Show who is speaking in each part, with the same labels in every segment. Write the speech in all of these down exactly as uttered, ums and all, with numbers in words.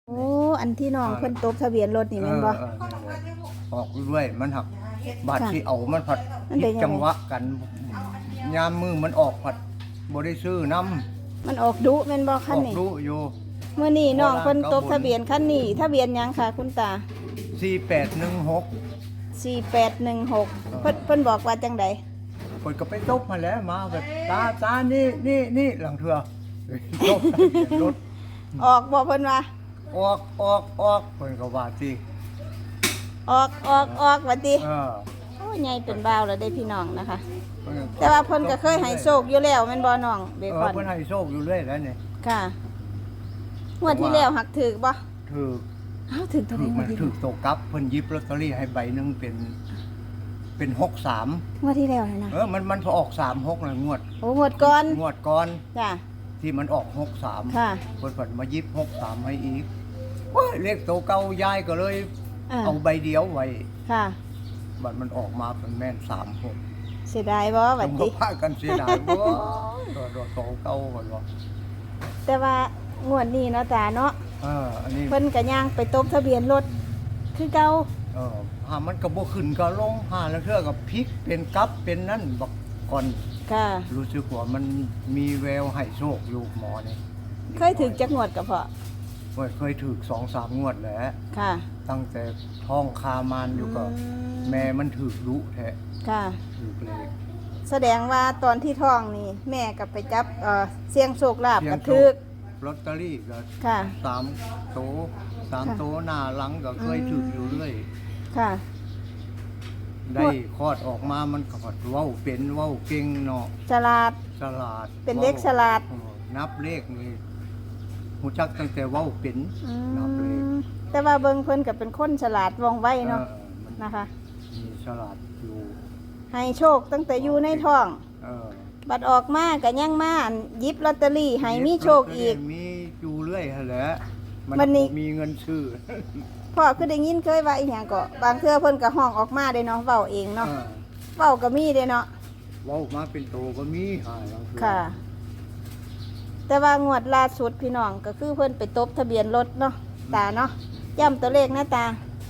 Speaker 1: โอ้อันที่น้องเพิ่นตบทะเบียนรถนี่แม่นบ่
Speaker 2: เออเออออกด้วยมันหักบาดที่เอามันผัด
Speaker 1: มันเป็นยังไง
Speaker 2: จังหวะกันยามมือมันออกผัดบ่ได้ซื้อน้ำ
Speaker 1: มันออกดุแม่นบ่
Speaker 2: อ
Speaker 1: คัน
Speaker 2: อก
Speaker 1: นี้
Speaker 2: รู้อยู่
Speaker 1: มื้อนี้น้องเพิ่น
Speaker 2: โบราณ
Speaker 1: ตบทะเบียนคันนี้ทะเบียนหยังค่ะคุณตา
Speaker 2: สี่แปดหนึ่งหก
Speaker 1: สี่แปดหนึ่งหกเพิ่นเพิ่นบอกว่าจังใด
Speaker 2: คนก็ไปตบมาแล้วมาแบบตาตานี่นี่นี่หลังเถื่อตบทะเบียนรถ
Speaker 1: ออกบ่เพิ่นว่า
Speaker 2: ออกออกออกคนก็ว่าสิ
Speaker 1: ออกออกออกว่าติ
Speaker 2: เออ
Speaker 1: โอ้ใหญ่เป็นบ่าวแล้วได้พี่น้องนะคะ
Speaker 2: เพิ่นก็
Speaker 1: แต่ว่าเพิ่นก็เคยให้โชคอยู่แล้วแม่นบ่น้องเบ
Speaker 2: เอ
Speaker 1: ค
Speaker 2: อ
Speaker 1: อน
Speaker 2: เพิ่นให้โชคอยู่เรื่อยแล้วนี่
Speaker 1: ค่ะงวดที่แล้วหักถึกบ่
Speaker 2: ถือ
Speaker 1: เอ้าถึกเท่าไห
Speaker 2: ถื
Speaker 1: ร่
Speaker 2: อง
Speaker 1: ว
Speaker 2: มั
Speaker 1: ด
Speaker 2: น
Speaker 1: ที่
Speaker 2: ถือโตกลับเพิ่นหยิบลอตเตอรี่ให้ใบหนึงเป็น เป็นหกสาม
Speaker 1: งวดที่แล้วน่ะนะ
Speaker 2: เออมันมันพอออกสามหกนะงวด
Speaker 1: โอ้งวดก่อน
Speaker 2: งวดก่อน
Speaker 1: จ้ะ
Speaker 2: ที่มันออกหกสาม
Speaker 1: ค่ะ
Speaker 2: เพิ่นเพิ่นมาหยิบหกสามให้อีกโอ้ยเลขโตเก่ายายก็เลย
Speaker 1: อ่า
Speaker 2: เอาใบเดียวไว้
Speaker 1: ค่ะ
Speaker 2: บัดมันออกมาเป็นแม่นสามหก
Speaker 1: เสียดายบ่บัด
Speaker 2: ต้อง
Speaker 1: นี้
Speaker 2: พากันเสียดายบ่โดดโตเก่าก่อนบ่
Speaker 1: แต่ว่างวดนี้เนาะตาเนาะ
Speaker 2: เอออันนี้
Speaker 1: เพิ่นก็ย่างไปตบทะเบียนรถคือเก่า
Speaker 2: เออหามันก็บ่ขึ้นก็ลงหาแล้วเทื่อก็พลิกเป็นกลับเป็นนั่นบักก่อน
Speaker 1: ค่ะ
Speaker 2: รู้สึกว่ามันมีแววให้โชคอยู่หมอนี่
Speaker 1: เคยถึงจักงวดกับพ่อ
Speaker 2: โอ้ยเคยถูกสองสามงวดแล้ว
Speaker 1: ค่ะ
Speaker 2: ตั้งแต่ท้องคามานอยู่ก็
Speaker 1: อืม
Speaker 2: แม่มันถูกรู้แท้
Speaker 1: ค่ะ
Speaker 2: ถูกเลข
Speaker 1: แสดงว่าตอนที่ท้องนี่แม่ก็ไปจับเอ่อเสี่ยงโชคลาภ
Speaker 2: เสี่ย
Speaker 1: ก
Speaker 2: ง
Speaker 1: ระ
Speaker 2: โชค
Speaker 1: ทึก
Speaker 2: ลอตเตอรี่ก็
Speaker 1: ค่ะ
Speaker 2: สามโตสาม
Speaker 1: ค่ะ
Speaker 2: โตหน้าหลังก็เคยถูกอยู่เรื่อย
Speaker 1: ค่ะ
Speaker 2: ได้คลอดออกมามันก็เว้าเป็นเว้าเก่งเนาะ
Speaker 1: ฉลาด
Speaker 2: ฉลาด
Speaker 1: เป็นเด็กฉลาด
Speaker 2: เออนับเลขนี่หูจักตั้งแต่เว้าเป็น
Speaker 1: อื
Speaker 2: นับเลข
Speaker 1: มแต่ว่าเบิ่งเพิ่นก็เป็นคนฉลาดว่องไวเนาะ
Speaker 2: ออมัน
Speaker 1: นะคะ
Speaker 2: มีฉลาดอยู่
Speaker 1: ให้โชคตั้งแต่อยู่ในท้อง
Speaker 2: เออ
Speaker 1: บัดออกมาก็ยังมาหยิบลอตเตอรี่ให้มีโชคอีก
Speaker 2: มีอยู่เรื่อยหั่นแหละมัน
Speaker 1: วันนี้
Speaker 2: บ่มีเงินซื้อ
Speaker 1: พ่อคือได้ยินเคยว่าอีหยังก็บางเทื่อเพิ่นก็ห้องออกมาได้เนาะเว้าเองเนาะ
Speaker 2: เออ
Speaker 1: เว้าก็มีเด้เนาะ
Speaker 2: เว้ามาเป็นโตก็มีหาลังเทื่อ
Speaker 1: ค่ะ แต่ว่างวดล่าสุดพี่น้องก็คือเพิ่นไปตบทะเบียนรถเนาะตาเนาะย้ำตัวเลขนะตา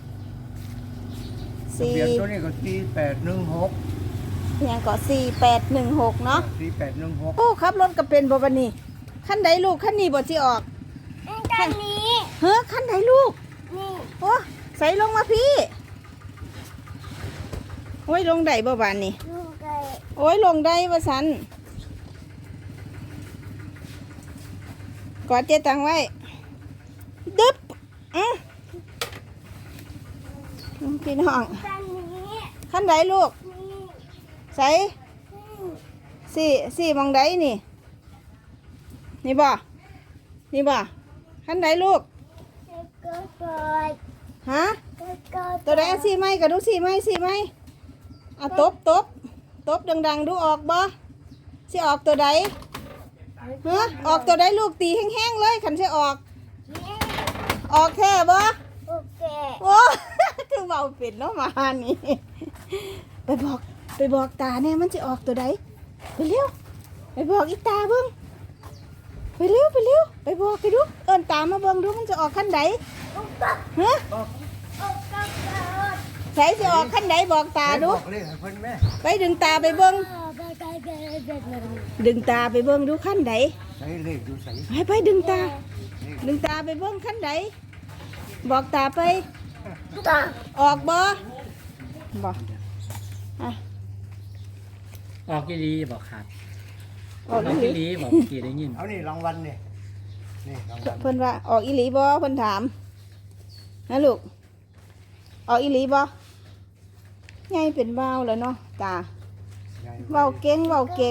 Speaker 2: ทะ
Speaker 1: สี่
Speaker 2: เบียนตัวนี้ก็สี่แปดหนึ่งหก
Speaker 1: เพียงก็สี่แปดหนึ่งหกเนาะ
Speaker 2: สี่แปดหนึ่งหก
Speaker 1: โอ้ขับรถก็เป็นบ่บัดนี้คันใดลูกคันนี้บ่สิออก
Speaker 3: ด้านนี้
Speaker 1: เฮ้อคันใดลูก
Speaker 3: นี่
Speaker 1: โอ้ใส่ลงมาพี่โอ้ยลงได้บ่บานนี่
Speaker 3: ลูกไก่
Speaker 1: โอ้ยลงได้ว่าสันกอดเจตังไว้ดึบอ่ะพี่น้อง
Speaker 3: ด้านนี้
Speaker 1: ขั้นใดลูก
Speaker 3: นี่
Speaker 1: ใส่สี่สี่มองใดนี่ นี่บ่ นี่บ่ขั้นใดลูก
Speaker 3: แล้วก็ปล่อย
Speaker 1: ฮะ
Speaker 3: แล้วก็
Speaker 1: ตัวใดสี่ไม้กับดูสี่ไม้สี่ไม้อ่ะตบตบตบดังๆดูออกบ่สิออกตัวใดฮะออกตัวใดลูกตีแห้งๆเลยขันสิออก
Speaker 3: นี่
Speaker 1: ออกแค่บ่
Speaker 3: โอเค
Speaker 1: โอ้ คือเบาเป็ดเนาะมานี่ ไปบอกไปบอกตาเนี่ยมันจะออกตัวใดไปเร็วไปบอกอีตาเบิ่งไปเร็วไปเร็วไปบอกไปดูเอิ้นตามาเบิ่งดูมันจะออกขั้นใด
Speaker 3: โอเค
Speaker 1: ฮะ
Speaker 2: ก็
Speaker 3: โอเค
Speaker 1: ใส่จะออกขั้นใดบอกตาดู
Speaker 2: บอกเลขให้เพิ่นแม่
Speaker 1: ไปดึงตาไปเบิ่ง
Speaker 3: ไปไปไปไปไป
Speaker 1: ดึงตาไปเบิ่งดูขั้นใด
Speaker 2: ใช้เลขดูใส่
Speaker 1: ไปไปดึงตา ดึงตาไปเบิ่งขั้นใดบอกตาไป
Speaker 3: ตา
Speaker 1: ออกบ่บ่อ่ะ
Speaker 4: ออกกี่ลีบอกขาด
Speaker 1: ออก
Speaker 4: ออก
Speaker 1: อีห
Speaker 4: กี่
Speaker 1: ลี
Speaker 4: ลีบอกกี่ได้ยิน
Speaker 2: เอานี่รางวัลนี่นี่รางวัล
Speaker 1: เพิ่นว่าออกอีหลีบ่เพิ่นถามนะลูกออกอีหลีบ่ไงเป็นบ้าวแล้วเนาะตา
Speaker 2: ยาย
Speaker 1: เว้าเก่งเว้าเก่ง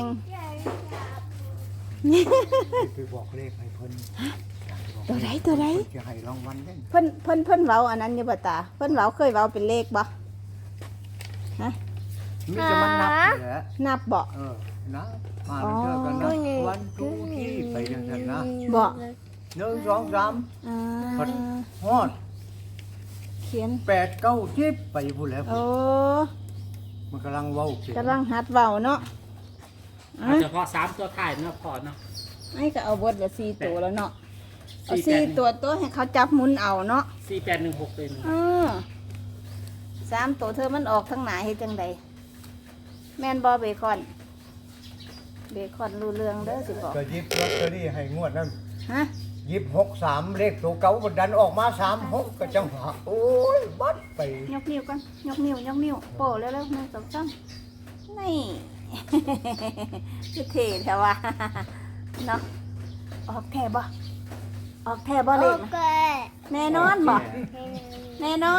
Speaker 2: ไปบอกเลขให้เพิ่น
Speaker 1: ตัวใดตัวใด
Speaker 2: เพิ่นจะให้รางวัลเด้
Speaker 1: เพิ่นเพิ่นเพิ่นเว้าอันนั้นอยู่บ่ตาเพิ่นเว้าเคยเว้าเป็นเลขบ่ฮะ
Speaker 2: มีจะมันนับนี่แหละ
Speaker 1: นับบ่
Speaker 2: เออนะมาแล้วเจอกันนะวันทูที่ไปจังซั่นนะ
Speaker 1: บ่
Speaker 2: หนึ่งสองสาม
Speaker 1: อ่า
Speaker 2: ฮอด
Speaker 1: เขียน
Speaker 2: แปดเก้าสิบไปพูดแล้ว
Speaker 1: โอ้
Speaker 2: มันกำลังเว้าเป็น
Speaker 1: กำลังหัดเว้าเนาะ
Speaker 4: เอาเฉพาะสามตัวท้ายเนาะพอเนาะ
Speaker 1: ไอ้ก็เอาเบดละสี่ตัวแล้วเนาะเอาสี่ตัวตัวให้เขาจับหมุนเอาเนาะ
Speaker 4: สี่แปดหนึ่งหกเป็น
Speaker 1: เออสามตัวเธอมันออกทั้งหนาเฮ็ดจังใดแม่นบ่เบคอนเบคอนรู้เรื่องเด้อสิบอก
Speaker 2: ก็หยิบลอตเตอรี่ให้งวดนั้น
Speaker 1: ฮะ
Speaker 2: หยิบหกสามเลขตัวเก่าบดันออกมาสามหกก็จังหวะโอ้ยบัดไป
Speaker 1: ยกนิ้วกันยกนิ้วยกนิ้วโป้เร็วๆหนึ่งสองสามนี่ คือเท่แท้ว่ะ เนาะออกแท้บ่ออกแท้บ่
Speaker 3: โอ
Speaker 1: เลข
Speaker 3: เค
Speaker 1: แน่นอนบ่แน่นอน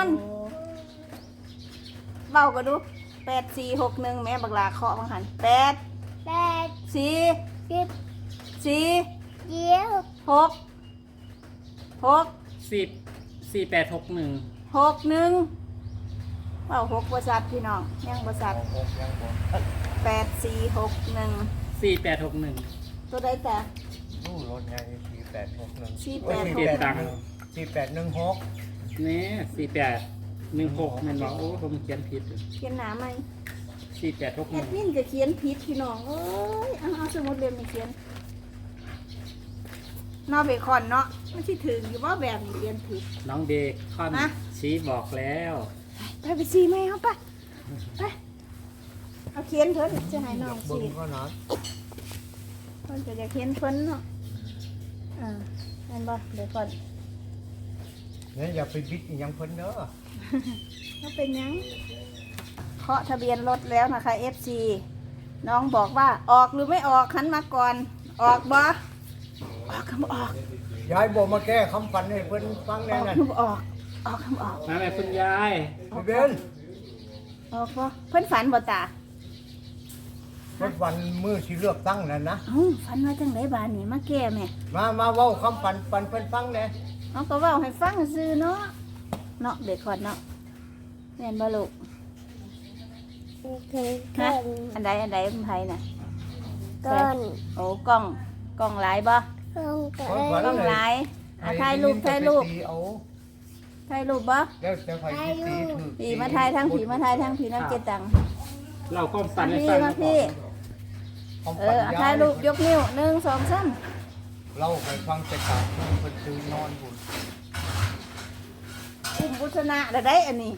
Speaker 1: เว้าก็ดูแปดสี่หกหนึ่งแม่บักลาเคาะบังหันแปด
Speaker 3: แปด
Speaker 1: สี่
Speaker 3: สิบ
Speaker 1: สี่
Speaker 3: เยี่ยว
Speaker 1: หกหก
Speaker 4: สิบสี่แปดหกหนึ่ง
Speaker 1: หกหนึ่งเว้าหกบริษัทพี่น้องยังบริษัท
Speaker 2: หกยังบ่
Speaker 1: แปดสี่หกหนึ่ง
Speaker 4: สี่แปดหกหนึ่ง
Speaker 1: ตัวใดแต่
Speaker 2: ดูรถไงสี่แปดหกหนึ่ง
Speaker 1: สี่แปด
Speaker 2: สี่
Speaker 1: หก
Speaker 2: แปดหนึ่งสี่แปดหนึ่งหก
Speaker 4: นี่สี่แปดหนึ่งหกมันบอกโอ้ผมเขียนผิด
Speaker 1: เขียนหนาไหม
Speaker 4: สี่แปดหกห
Speaker 1: แอ
Speaker 4: นึ่
Speaker 1: ด
Speaker 4: ง
Speaker 1: มินก็เขียนผิดพี่น้องเอ้ยเอาเอาสมุดเล่มนี้เขียนนอเบคอนเนาะมันที่ถึงอยู่ว่าแบบนี้เขียนผิด
Speaker 4: น้องเบคอน
Speaker 1: ฮะ
Speaker 4: ชี้บอกแล้ว
Speaker 1: ไปไปซีไหมเอาไปไปเอาเขียนเพิ่นจะให้น้อง
Speaker 2: เบิ่
Speaker 1: ซี
Speaker 2: งก็นะ
Speaker 1: เพิ่นจะอยากเขียนเพิ่นเนาะอ่านั่นบ่เบคอน
Speaker 2: เนี่ยอย่าไปบิดอีหยังเพิ่นเด้อ
Speaker 1: เขาเป็นหยังเคาะทะเบียนรถแล้วนะคะ เอฟ ซี น้องบอกว่าออกหรือไม่ออกหันมาก่อน ออกบ่ออกคำออก
Speaker 2: ยายบอกมาแก้คำฝันให้เพิ่นฟัง
Speaker 1: อ
Speaker 2: แน่
Speaker 1: อก
Speaker 2: นั่น
Speaker 1: คำออก ออกคำออก
Speaker 4: มาแม่คุณยาย
Speaker 2: พี่เบน
Speaker 1: ออกบ่เพิ่นฝันบ่ตา
Speaker 2: เพิ่นฝันมือสิเลือกตั้งนั่นนะ
Speaker 1: เอ้าฝันว่าจังไดบานนี่มาแก้แม่
Speaker 2: มามาเว้าคำฝันฝันเพิ่นฟังแน่
Speaker 1: เอาก็เว้าให้ฟังซื่อเนาะเนาะเด็กก่อนเนาะแม่นบ่ลูก
Speaker 3: โอเค
Speaker 1: ฮะ
Speaker 3: ก่อน
Speaker 1: อันใดอันใดเป็นไผน่ะ
Speaker 3: ก่อน
Speaker 1: โอ้กล้องกล้องหลายบ่
Speaker 3: ก่อนก่อ
Speaker 2: เพิ่น
Speaker 3: น
Speaker 2: ฝัน
Speaker 1: กล้อง
Speaker 2: เล
Speaker 1: หลาย
Speaker 2: ย
Speaker 1: อ่ะถ่ายรูปถ่ายรูป
Speaker 2: ให้ยินแต่ไปตีเอา
Speaker 1: ถ่ายรูปบ่
Speaker 2: แล้วแต่ไผสิตีถูก
Speaker 1: ผีมาถ่ายทั้งผีมาถ่ายทั้งผีน้ำเจตัง
Speaker 4: เราความฝั
Speaker 1: มาน
Speaker 4: ให้
Speaker 1: พี่
Speaker 4: ฟัง
Speaker 1: มาพี่
Speaker 2: ความ
Speaker 1: เอ
Speaker 2: ฝัน
Speaker 1: อเอาถ่ายรูปยกนิ้วหนึ่งสองสาม
Speaker 2: เล่าไปฟังแต่กลางคืนเพิ่นตื่นนอนพุ่น
Speaker 1: อุ่มบุษนะได้ได้อันนี้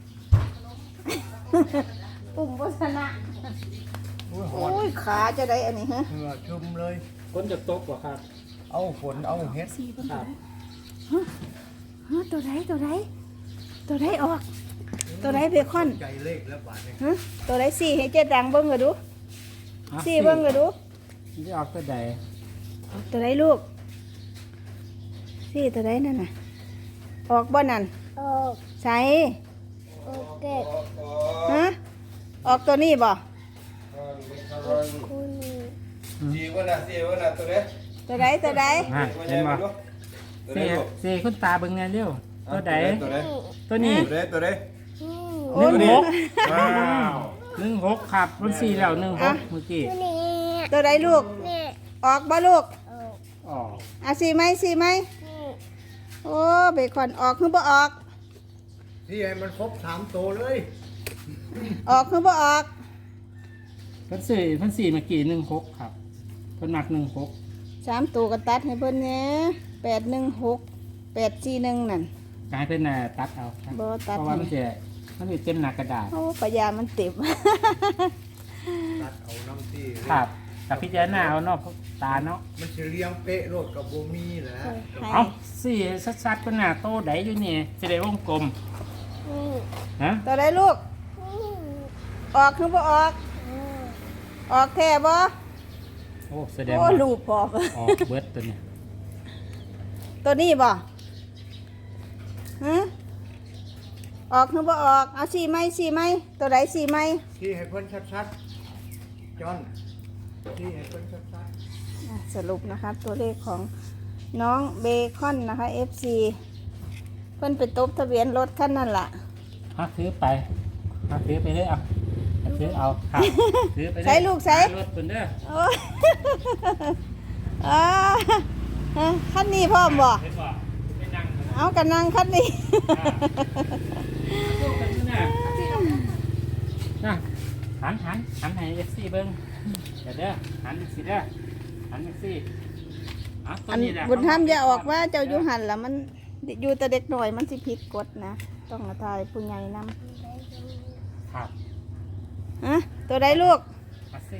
Speaker 1: อุ่มบุษนะ
Speaker 2: อุ้ยหอ
Speaker 1: โอ้
Speaker 2: น
Speaker 1: ยขาจะได้อันนี้ฮะ
Speaker 2: เหงื่อชุ่มเลย
Speaker 4: คนจะตกบ่ครับ
Speaker 2: เอาฝนเอาเฮ็ด
Speaker 1: สี่เป็น
Speaker 4: ค
Speaker 1: ตัว
Speaker 4: รับ
Speaker 1: ไหนฮะฮะตัวไหนตัวไหนตัวไหนออก ตัวไหนเบคอน
Speaker 2: ใจเลขแล้วบาดนี้
Speaker 1: ฮะตัวไหนสี่ให้เจ๊ดังเบิ้งก็ดู
Speaker 4: อ่ะ
Speaker 1: สี่เบิ้งก็ดู
Speaker 4: จะออกตัวใด
Speaker 1: ออกตัวไหนลูกสี่ตัวไหนนั่นน่ะออกบ่นั่น
Speaker 3: โอ
Speaker 1: ใส่
Speaker 3: โอเค
Speaker 1: ฮะออกตัวนี้บ่
Speaker 3: คุณ
Speaker 5: สี่วันน่ะสี่วันน่ะตัวเนี้ย
Speaker 1: ตัวไหนตัวไหน
Speaker 4: ฮะ
Speaker 5: ตัว
Speaker 4: เห็น
Speaker 5: ใหญ่
Speaker 4: บ่
Speaker 5: มาลูกตัว
Speaker 4: สี่
Speaker 5: เนี้ยลูก
Speaker 4: สี่คุณตาเบิ่งแน่เร็วตัวใด
Speaker 5: ตัวเนี้ย
Speaker 4: ตัวนี้
Speaker 5: ตัวเนี้ยตัวเนี้ย
Speaker 3: อืม
Speaker 1: โอ้ย
Speaker 4: หนึ่งหก
Speaker 5: ว้าว
Speaker 4: หนึ่งหกครับมันสี่แล้วหนึ่งหกเมื่อกี้
Speaker 3: ตัวนี้
Speaker 1: ตัวไหนลูก
Speaker 3: นี่
Speaker 1: ออกบ่ลูก
Speaker 3: โอ้
Speaker 4: อ๋อ
Speaker 1: อ่ะสี่ไหมสี่ไหม
Speaker 3: นี่
Speaker 1: โอ้เบคอนออกคือบ่ออก
Speaker 2: ที่ให้มันครบสามตัวเลย
Speaker 1: ออกคือบ่ออก
Speaker 4: เพันสี่เพันสี่เมื่อกี้หนึ่งหกครับเพิ่นหนักหนึ่งหก
Speaker 1: สามตัวก็ตัดให้เพิ่นแหน่แปดหนึ่งหกแปดสี่หนึ่งนั่น
Speaker 4: กลายเป็นน่ะตัดเอาครับ
Speaker 1: บ่ตัด
Speaker 4: เพราะว่ามันจะมันจะเต็มหนักกระดาษ
Speaker 1: โอ้ปะยามันเต็ม
Speaker 2: ตัดเอาน้ำที่
Speaker 4: ครับกับพิจารณาเอาเนาะตาเนาะ
Speaker 2: มันสิเลี้ยงเป๊ะโลดกับบ่มีแหละ
Speaker 1: ให้
Speaker 4: เอาสี่ซัดๆก็หน้าโตไดอยู่นี่จะได้วงกลม
Speaker 3: นี่
Speaker 4: ฮะ
Speaker 1: ตัวใดลูก
Speaker 3: นี่
Speaker 1: ออกคือบ่ออก
Speaker 3: อืม
Speaker 1: ออกแท้บ่
Speaker 4: โอ้แสดง
Speaker 1: โอ้
Speaker 4: ว่า
Speaker 1: ลูกพอก
Speaker 4: ออกเบิดตัวเนี้
Speaker 1: ตัวนี้บ่ฮะออกคือบ่ออกเอาสี่ไหมสี่ไหมตัวใดสี่ไหม
Speaker 2: ที่ให้เพิ่นชัดๆจอนที่ให้เพิ่นชัด
Speaker 1: อ่ะสรุปนะคะตัวเลขของน้องเบคอนนะคะ เอฟ ซี เพิ่นไปตบทะเบียนรถคันนั่นล่ะ
Speaker 4: ฮะถือไปฮะถือไปเลยเอาถือเอาครับถือไปเลย
Speaker 1: ใส่ลูกใส่
Speaker 4: รถเพิ่นเด้อ
Speaker 1: โอ้ย อ่าฮะคันนี้พร้อมบ่
Speaker 4: เห็นบ่ไปนั่งกันนะ
Speaker 1: เอากันนั่งคันนี้
Speaker 4: ลูกกันอยู่น่ะน่ะหันหันหันให้ เอฟ ซี เบิ่งเดี๋ยวเด้อหันอีกสิเด้อหันอีกสิอ่ะตัว
Speaker 1: อัน
Speaker 4: นี้แหละ
Speaker 1: บุญธรรมอย่าออกว่าเจ้าอยู่หันแล้วมันอยู่แต่เด็กหน่อยมันสิผิดกฎนะต้องมาทายผู้ใหญ่น
Speaker 4: ครับ
Speaker 1: ำฮะตัวใดลูก
Speaker 4: มาสิ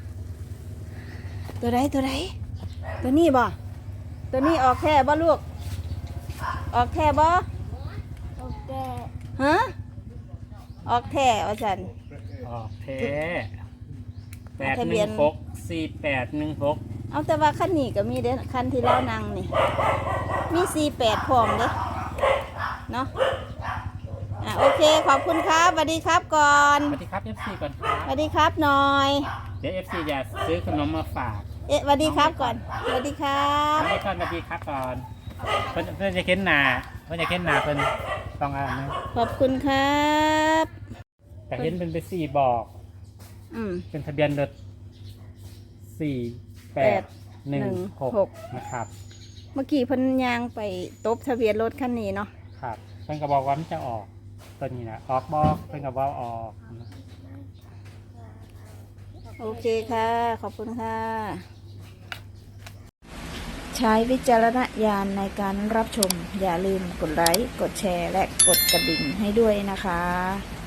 Speaker 1: ตัวใดตัวใดตัวนี้บ่ตัวนี้ออกแค่บ่ลูก ออกแค่บ่
Speaker 3: โอเค
Speaker 1: ฮะออกแค่ว่าฉัน
Speaker 4: ออกเทแปด
Speaker 1: ทะ
Speaker 4: ห
Speaker 1: เบีย
Speaker 4: นึ่
Speaker 1: น
Speaker 4: งหกสี่แปดหนึ่งหก
Speaker 1: เอาแต่ว่าคันนี้ก็มีเด้คันที่เรานั่งนี่ มีสี่แปดพร้อมเด้เนาะอ่ะโอเคขอบคุณครับสวัสดีครับก่อน
Speaker 4: สวัสดีครับ เอฟ ซี ก่อนครั
Speaker 1: ส
Speaker 4: บ
Speaker 1: วัสดีครับหน่อย
Speaker 4: เดี๋ยว เอฟ ซี จะซื้อขนมมาฝาก
Speaker 1: เอ๊ะสวัสดีครับก่อนสวัสดีครับ
Speaker 4: น้องก่อนสวัสดีครับก่อนเพื่อนเพื่อนจะเค้นหนาเพื่อนจะเค้นหนาเพื่อนต้องอ่านนะ
Speaker 1: ขอบคุณครับ
Speaker 4: แต่เห็นเป็นไปสี่บอก
Speaker 1: อืม
Speaker 4: เป็นทะเบียนรถสี่แปดหนึ่งหกนะครับ
Speaker 1: เมื่อกี้เพันยางไปตบทะเบียนรถคันนี้เนาะ
Speaker 4: ครับเพื่อนก็บอกว่ามันจะออกตัวนี้นะออกบอกเพื่อนก็บอกออกนะ
Speaker 1: โอเคค่ะ ขอบคุณค่ะ ใช้วิจารณญาณในการรับชม อย่าลืมกดไลค์ กดแชร์ และกดกระดิ่งให้ด้วยนะคะ